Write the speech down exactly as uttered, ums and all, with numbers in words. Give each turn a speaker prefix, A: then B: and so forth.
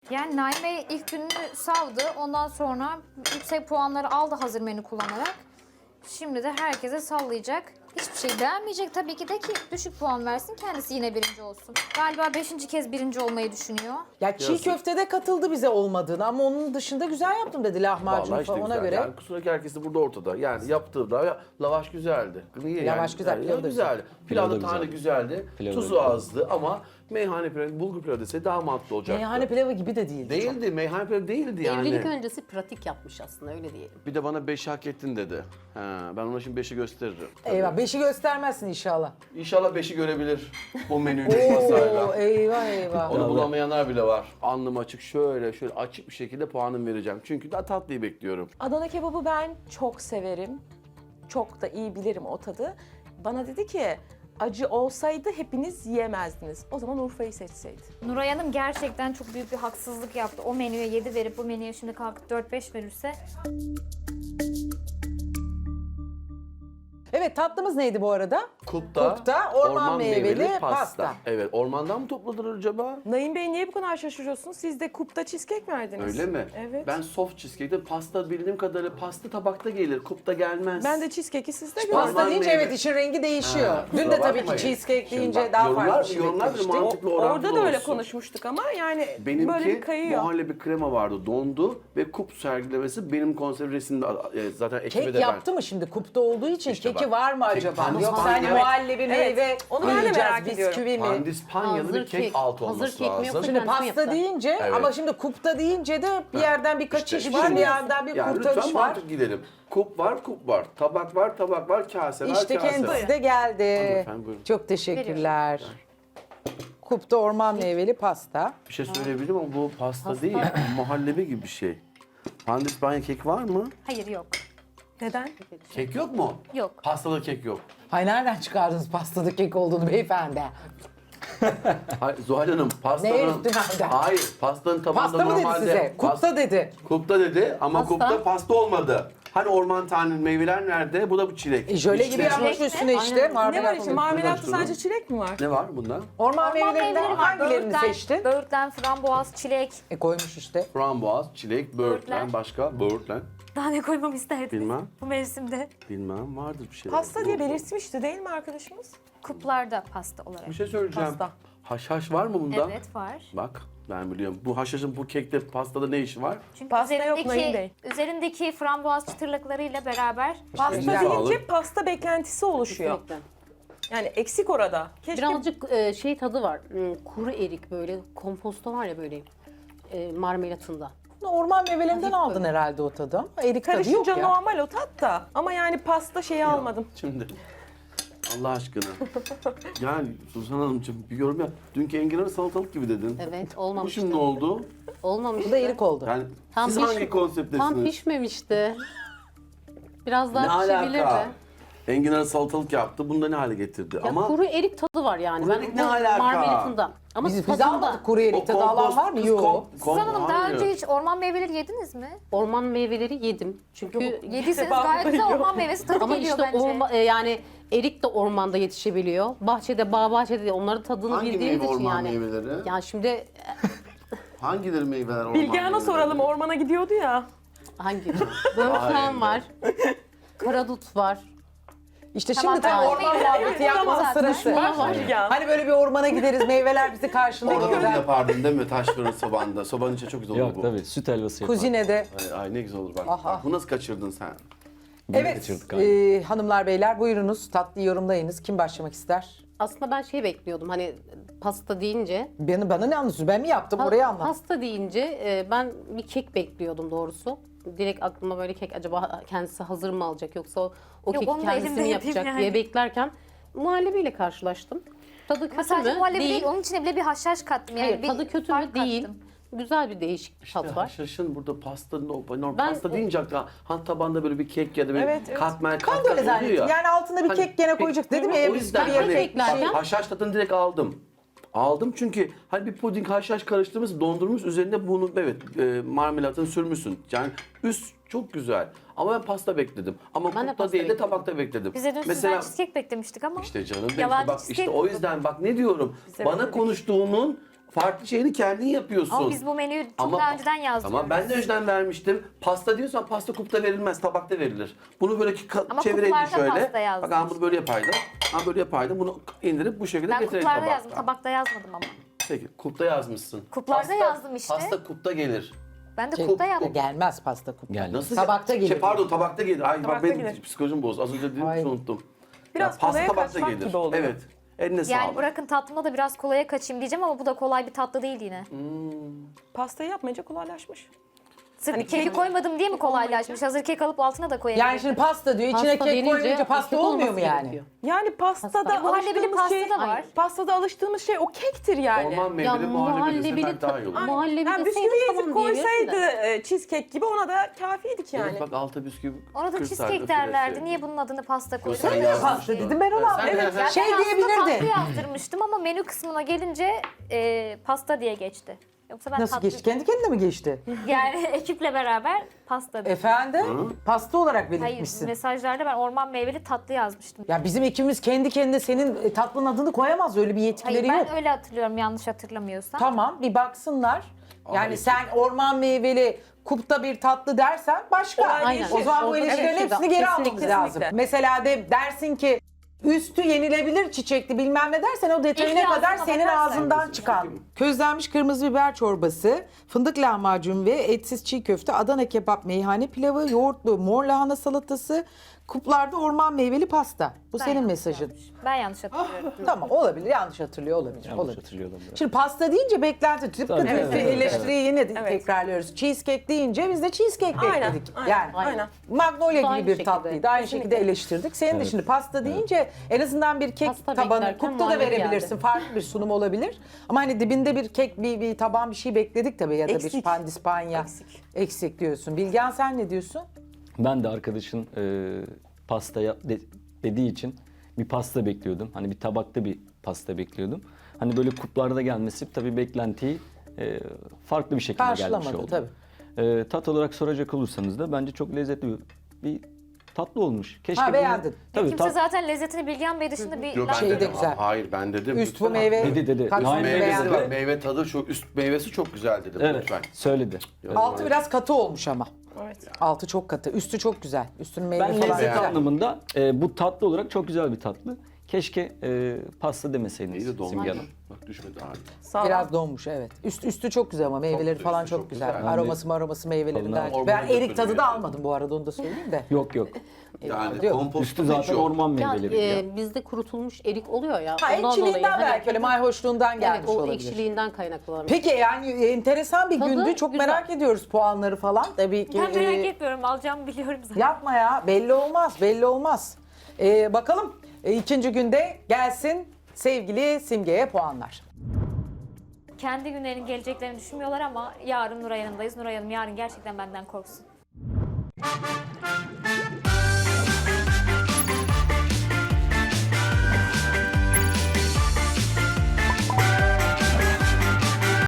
A: Yani Naime ilk gününü savdı. Ondan sonra yüksek puanları aldı hazır menü kullanarak. Şimdi de herkese sallayacak. Hiçbir şey beğenmeyecek tabii ki de ki düşük puan versin, kendisi yine birinci olsun. Galiba beşinci kez birinci olmayı düşünüyor.
B: Ya çiğ
C: Yazık.
B: köftede katıldı bize olmadığını ama onun dışında güzel yaptım dedi lahmacun
C: Vallahi işte
B: falan ona
C: güzel.
B: göre.
C: Yani kusura ki herkesi burada ortada. Yani yaptığı da lavaş güzeldi. Niye
B: Lavaş
C: yani?
B: güzel,
C: Yani
B: pilav da
C: güzeldi.
D: Pilav
C: Pilav
D: da
C: da tane
D: güzeldi.
C: güzeldi.
D: Pilav da
C: Tuzu
D: güzeldi.
C: azdı ama meyhane pilavı, bulgur pilavı dese daha mantıklı olacaktı.
B: Meyhane pilavı gibi de değildi.
C: Değildi, meyhane pilavı değildi yani.
E: Evlilik öncesi pratik yapmış aslında öyle diyelim.
C: Bir de bana beşi hak ettin dedi. He, ben ona şimdi beşi gösteririm.
B: Eyvah beşi göstermezsin inşallah.
C: İnşallah beşi görebilir bu menüyle
B: Oo,
C: masayla.
B: eyvah eyvah.
C: Onu bulamayanlar bile var. Alnım açık şöyle şöyle açık bir şekilde puanım vereceğim. Çünkü daha tatlıyı bekliyorum.
F: Adana kebabı ben çok severim. Çok da iyi bilirim o tadı. Bana dedi ki acı olsaydı hepiniz yiyemezdiniz. O zaman Urfa'yı seçseydi.
A: Nuray Hanım gerçekten çok büyük bir haksızlık yaptı. O menüye yedi verip bu menüye şimdi kalkıp dört beş verirse.
B: Evet tatlımız neydi bu arada?
C: Kupta,
B: Kupta, orman meyveli pasta.
C: Evet, ormandan mı topladılar acaba?
F: Naim Bey niye bu kadar şaşırıyorsunuz? Siz de kupta cheesecake verdiniz.
C: Öyle mi?
F: Evet.
C: Ben soft cheesecake'de pasta bildiğim kadarıyla pasta tabakta gelir, kupta gelmez.
F: Ben de cheesecake'i sizde gördüm.
B: Pasta
C: Orman
B: deyince
C: meyve-
B: evet işin rengi değişiyor.
C: Ha,
B: Dün de
C: kusura
B: tabii ki
C: bakmayın.
B: cheesecake
C: Şimdi
B: deyince
C: bak,
B: daha
C: yorumlar-
B: farklı bir şey
C: yorumlar bir
B: beklemiştik.
C: mantıklı orantılı
F: Orada da öyle
C: olsun.
F: konuşmuştuk ama yani böyle
C: Benimki
F: bir kayıyor.
C: muhallebi krema vardı, dondu ve kup sergilemesi benim konser resimde e, zaten ekibe
B: Kek
C: de ben.
B: yaptı mı şimdi kupta olduğu için
C: İşte
B: keki
C: bak,
B: var mı
C: kek
B: acaba?
C: pandis
B: Yoksa hani
C: panya-
B: muhallebi meyve
F: Evet, onu ben de
B: yiyeceğiz,
F: merak ediyorum.
B: bisküvi mi?
C: Pandispanyalı bir
E: Hazır
C: kek,
E: kek-
C: altı
E: hazır
C: olması
E: kek mi
C: lazım.
E: yoksa-
B: Şimdi
E: Kendisi mi
B: pasta
E: yaptı?
B: deyince
C: Evet.
B: ama şimdi kupta deyince de bir yerden bir kaçış
C: İşte
B: var,
C: şimdi-
B: bir yerden bir
C: yani
B: kurtarış
C: lütfen
B: var.
C: mantık gidelim. Kup var, kup var. Tabak var, tabak var. Kase var,
B: İşte
C: kase
B: kendisi
C: var.
B: de geldi.
C: Efendim, buyurun.
B: Çok teşekkürler. Kupta orman meyveli pasta.
C: Bir şey söyleyebilirim ama bu pasta, değil, muhallebi gibi bir şey. Pandispanya kek var mı?
A: Hayır yok.
F: Neden?
C: Kek yok mu?
A: Yok.
C: Pastalı kek yok.
B: Hay nereden çıkardınız pastada kek olduğunu beyefendi?
C: Hayır, Zuhal Hanım pastanın...
B: Neye üstüne?
C: Hayır, pastanın tabağında
B: Pasta mı dedi
C: normalde...
B: size? Kupta
C: Pas-
B: dedi.
C: Kupta dedi ama
E: Pasta.
C: kupta pasta olmadı. Hani orman tanenin meyveler nerede? Bu da bu çilek.
B: E jöle
C: İşte-
B: gibi yapmış
A: Çilek mi?
B: üstüne işte.
E: Aynen.
F: Ne
B: marmelat
F: var işte
B: oluyor.
F: marmelatta
C: Şunu.
F: sadece çilek mi var?
C: Ne var bunda?
B: Orman
A: Orman
B: meyvelerinden
A: meyveleri var.
B: hangilerini
A: Böğürtlen,
B: seçtin?
A: Böğürtlen, frambuaz, çilek.
B: E koymuş işte.
C: Frambuaz, çilek, böğürtlen,
A: Böğürtlen.
C: başka böğürtlen.
A: Daha ne koymamı isterdiniz
C: Bilmem.
A: bu mevsimde?
C: Bilmem, vardır bir şey.
F: Pasta diye belirtmişti değil mi arkadaşımız?
A: Kuplarda pasta olarak.
C: Bir şey söyleyeceğim.
F: Pasta.
C: Haşhaş var mı bunda?
A: Evet var.
C: Bak ben biliyorum. Bu haşhaşın bu kekte, pastada ne işi var?
A: Çünkü
F: Pasta yok, Naim Bey.
A: üzerindeki, üzerindeki frambuaz çıtırlıklarıyla beraber
F: Pasta
C: Eline
F: deyince
C: sağlık.
F: pasta beklentisi oluşuyor.
E: Kesinlikle.
F: Yani eksik orada. Keşke
E: Birazcık e, şey tadı var. Hmm, Kuru erik böyle komposto var ya böyle e, marmelatında.
B: Orman meyvelerinden aldın herhalde o tadı ama erik tadı yok
F: karışınca
B: ya.
F: normal o tat da. Ama yani pasta şeyi almadım.
C: Şimdi Allah aşkına. Yani Suzan Hanımcığım bir yorum yap. Dünkü enginar salatalık gibi dedin.
E: Evet
C: Bu
E: olmamıştı.
C: şimdi ne oldu?
E: Olmamıştı.
B: Bu da erik oldu.
C: Yani
E: Tam
C: siz
E: piş-
C: hangi konsepttesiniz?
E: Tam pişmemişti. Biraz
C: Ne
E: daha pişebilirdi.
C: alaka? Enginar salatalık yaptı. Bunda ne hale getirdi?
E: Ya
C: Ama
E: kuru erik tadı var yani.
C: Kuru
E: Ben
C: erik
E: bu
C: ne alaka?
E: marmelatında. Ama
B: Biz, biz
E: tadında.
B: almadık kuru erik tadı alan var mı?
C: kız
B: Yok.
C: kom- kom-
A: Suzan Hanım daha
C: hayır.
A: önce hiç orman meyveleri yediniz mi?
E: Orman meyveleri yedim. Çünkü
A: Yediyseniz
F: defa
A: gayet güzel
F: yok.
A: orman meyvesi tadı
E: ama
A: geliyor
E: işte
A: bence.
E: orma, e, yani erik de ormanda yetişebiliyor. Bahçede, bağ bahçede de onların tadını
C: Hangi
E: bildiğimiz
C: meyve
E: için
C: orman
E: yani.
C: meyveleri?
E: Yani şimdi
C: Hangileri meyveler orman
F: Bilgehan'a
C: meyveleri?
F: soralım ormana gidiyordu ya.
E: hangi? Böğürtlen var. Karadut var.
B: İşte
A: Tamam,
B: şimdi tam
A: ben
B: orman
A: meyveleri
B: muhabbeti
A: yedim
B: yapmanın
A: zaten.
B: sırası.
E: Var var.
F: Bilgehan.
B: Hani böyle bir ormana gideriz, meyveler bizi karşılıyor.
C: Orada
B: gider.
C: yapardın değil mi? Taş fırın sobanda. Sobanın içi çok güzel olur
D: Yok
C: bu.
D: tabii süt helvası yapar.
B: Kuzinede.
C: Ay, ay ne güzel olur bak.
B: Aha.
C: Bak, bu nasıl kaçırdın sen?
D: Bunu
B: Evet,
D: kaçırdık abi.
B: e, hanımlar beyler buyurunuz tatlı yorumlayınız. Kim başlamak ister?
E: Aslında ben şey bekliyordum hani pasta deyince.
B: Beni, bana ne anlatıyorsun? Ben mi yaptım?
E: pa-
B: Orayı anlat.
E: Pasta deyince e, ben bir kek bekliyordum doğrusu. Direkt aklıma böyle kek acaba kendisi hazır mı alacak yoksa o, o
A: Yok,
E: keki
A: onu da
E: kendisi
A: elimde
E: mi
A: yapayım
E: yapacak
A: yani.
E: diye beklerken muhallebiyle karşılaştım. Tadı
A: Ama
E: kötü
A: sadece
E: mü?
A: muhallebi değil.
E: Değil.
A: onun içine bile bir haşhaş kattım. Yani
E: Hayır
A: bir
E: tadı kötü
A: fark
E: mü? Değil.
A: kattım.
E: Güzel bir değişik bir tat var.
C: Haşhaşın burada pastanın o normal
E: Ben-
C: pasta deyince akla han tabanda böyle bir kek ya da böyle
F: Evet, evet.
C: katmer
B: Ben
C: kat
B: de öyle
C: kat oluyor
B: zannettim.
C: ya.
B: Yani altına bir
C: Hani
B: kek gene
C: kek-
B: koyacak. Dedim ya
C: O yüzden
B: bisküvi
C: hani
B: yemek.
E: beklerken-
C: haşhaş tadını direkt aldım. Aldım çünkü hani bir puding haşhaş karıştırmış, dondurmuş üzerinde bunu evet e, marmelatını sürmüşsün. Yani üst çok güzel. Ama ben pasta bekledim. Ama
E: Ben de
C: kupta
E: pasta
C: değil de
E: bekledim.
C: tabakta bekledim.
A: Biz de dün sizden cheesecake beklemiştik ama.
C: İşte canım benim
A: Yalancı
C: bak işte
A: cheesecake
C: o
A: buldum.
C: yüzden bak ne diyorum.
F: Bize
C: Bana
F: bekledik.
C: konuştuğunun farklı şeyini kendin yapıyorsun.
A: Ama biz bu menüyü çok daha önceden yazdık.
C: Ama ben de önceden vermiştim. Pasta diyorsan pasta kupta verilmez, tabakta verilir. Bunu böyle ka-
A: Ama
C: çevireydin
A: kuplarda
C: şöyle.
A: pasta yazdım.
C: Bak ben bunu böyle yapaydım. Ben böyle yapaydım. Bunu indirip bu şekilde
A: Ben
C: getirelim
A: kuplarda
C: tabakta.
A: yazdım, tabakta yazmadım ama.
C: Peki kupta yazmışsın.
A: Kuplarda yazdım işte.
C: Pasta kupta gelir.
A: Ben de
B: Şey,
A: kupta yaptım.
B: Gelmez pasta kupta.
D: Gelmez.
C: Nasıl?
B: Tabakta
C: Şey,
B: gelir.
C: pardon tabakta gelir. Ay bak
F: Tabakta
C: benim
F: gelir.
C: psikolojim bozdu. Az önce dedim
B: Ay.
C: unuttum.
F: Biraz
C: Ya, pasta
F: kolaya
C: tabakta
F: kaçmak
C: gelir.
F: gibi oluyor.
C: Evet. Eline
A: Yani
C: sağlık.
A: bırakın tatlımda da biraz kolaya kaçayım diyeceğim ama bu da kolay bir tatlı değil yine.
F: Pastayı yapmayınca kolaylaşmış.
A: Sırf
F: Hani
A: keki
F: kek-
A: koymadım diye mi kolaylaşmış? Hazır kek alıp altına da koyabilirim.
B: Yani şimdi pasta diyor, içine
E: Pasta
B: kek
E: denince
B: koyunca pasta
E: kek
B: olmuyor mu
E: olması
B: yani?
E: gerekiyor.
F: Yani pastada
E: Pasta.
A: Ya muhallebili
F: alıştığımız
A: pasta
F: şey,
A: da var.
F: pastada alıştığımız şey o kektir yani.
C: Orman
E: Ya
C: meyveli muhallebi deseler daha iyi olur.
E: muhallebi
F: Yani
E: deseydi
F: bisküvi
E: tamam
F: ezip
E: diyebilirsin de.
F: koysaydı e, cheesecake gibi ona da kafiydik yani.
C: Evet bak alta bisküvi
A: Ona da
C: kırsaydın,
A: cheesecake derlerdi.
C: filesi.
A: Niye bunun adını pasta
C: Sen
A: koydun?
C: yazmıştın.
B: Pasta dedim ben ona.
C: Sen-
B: Evet.
C: sen-
B: Şey
A: Ben aslında
B: diyebilirdi.
A: tatlı yazdırmıştım ama menü kısmına gelince e, pasta diye geçti. Yoksa ben
B: Nasıl
A: tatlı...
B: geçti? Kendi kendine mi geçti?
A: Yani ekiple beraber pasta dedim.
B: Efendim? Pasta olarak
A: Hayır,
B: belirtmişsin.
A: mesajlarda ben orman meyveli tatlı yazmıştım.
B: Ya bizim ekibimiz kendi kendine senin e, tatlının adını koyamaz. Öyle bir yetkileri
A: Hayır, ben
B: yok.
A: öyle hatırlıyorum yanlış hatırlamıyorsam.
B: Tamam bir baksınlar. Yani
C: Ay.
B: sen orman meyveli kupta bir tatlı dersen başka.
F: Olay
E: Aynen.
B: O zaman bu
E: Orada
B: ilişkilerin
E: evet,
B: hepsini geri
E: kesinlikle,
B: almamız lazım.
F: kesinlikle.
B: Mesela de dersin ki üstü yenilebilir çiçekli bilmem ne dersen o detayına
A: İlk
B: kadar
A: ağzına
B: senin
A: bakarsan.
B: ağzından çıkan. Közlenmiş kırmızı biber çorbası, fındık lahmacun ve etsiz çiğ köfte, Adana kebap, meyhane pilavı, yoğurtlu mor lahana salatası, kuplarda orman meyveli pasta. Bu
A: Ben
B: senin
A: yanlış
B: mesajın.
A: yazmışım. Ben yanlış hatırlıyorum.
B: Tamam olabilir, yanlış hatırlıyor olabilir.
D: Yanlış
B: olabilir.
D: hatırlıyordum biraz.
B: Şimdi pasta deyince beklenti, tıpkı
D: Tabii,
B: evet,
D: evet, evet,
B: eleştiriyi yine de
F: Evet.
B: tekrarlıyoruz. Cheesecake deyince biz de cheesecake
F: Aynen,
B: bekledik.
F: aynen,
B: yani
F: aynen.
B: Magnolia
E: Bu da
B: gibi
E: aynı
B: bir
E: şekilde.
B: tatlıydı. Aynı şekilde
F: Kesinlikle.
B: eleştirdik. Senin de
D: Evet.
B: şimdi pasta deyince en azından bir kek
E: Pasta
B: tabanı
E: beklerken
B: kupta da
E: muhallebi
B: verebilirsin.
E: geldi.
B: Farklı bir sunum olabilir. Ama hani dibinde bir kek, bir, bir taban bir şey bekledik tabii ya da bir
F: Eksik.
B: pandispanya.
F: Eksik.
B: Eksik diyorsun. Bilgen sen ne diyorsun?
D: Ben de arkadaşın e, pasta yap de- dediği için bir pasta bekliyordum. Hani bir tabakta bir pasta bekliyordum. Hani böyle kuplarda gelmesi tabii beklentiyi e, farklı bir şekilde gelmiş
B: Karşılamadı
D: oldu.
B: tabii.
D: E, tat olarak soracak olursanız da bence çok lezzetli bir, bir tatlı olmuş. Keşke
B: Ha,
D: bunu-
B: beğendin.
D: Tabii
A: Kimse
D: tat,
A: zaten lezzetini Bilgehan Bey dışında bir
C: Yok
A: laf
C: ben
B: Şey de
C: dedim.
B: güzel.
C: Hayır ben dedim.
B: Üst bu
C: Lütfen.
B: meyve.
D: Dedi, dedi.
B: tatlısını
D: Aynen.
C: Meyvesi
B: beğendin.
C: var. Meyve tadı çok üst meyvesi çok güzel dedim
D: evet
C: lütfen.
D: söyledi.
B: Altı biraz katı olmuş ama.
F: Evet.
B: Altı çok katı. Üstü çok güzel. Üstünün meyve
D: Ben
B: falan
D: lezzet
B: güzel.
D: anlamında e, bu tatlı olarak çok güzel bir tatlı. Keşke e, pasta demeseydiniz
C: İyi de
D: Simge
C: donmuş.
D: Hanım.
C: Bak düşmedi abi.
F: Sağ ol.
B: Biraz donmuş evet. Üst, üstü çok güzel ama meyveleri
C: güzel,
B: falan
C: üstü
B: çok,
C: çok
B: güzel.
C: güzel.
B: Aroması aroması meyvelerinden.
C: Tadına
B: Ben
C: ormana
B: erik tadı da
C: götürüyor.
B: almadım bu arada onu da söyleyeyim de.
D: Yok yok.
C: Yani
B: Yok.
C: komposto
D: Üstü zaten orman
E: Ya,
D: meyveleri.
E: e,
D: ya.
E: bizde kurutulmuş erik oluyor ya.
B: Ha
E: ondan
B: ekşiliğinden
E: dolayı, hani-
B: belki öyle mayhoşluğundan gelmiş
E: Evet, o
B: olabilir.
E: ekşiliğinden kaynaklanıyor.
B: Peki yani enteresan bir
E: Tadı
B: gündü. Çok
E: güzel.
B: merak ediyoruz puanları falan. Tabii ki.
A: Ben merak
B: e,
A: etmiyorum. Alacağımı biliyorum zaten.
B: Yapma ya belli olmaz belli olmaz. E, bakalım e, ikinci günde gelsin sevgili Simge'ye puanlar.
A: Kendi günlerinin geleceklerini düşünmüyorlar ama yarın Nuray Hanım'dayız. Nuray Hanım yarın gerçekten benden korksun.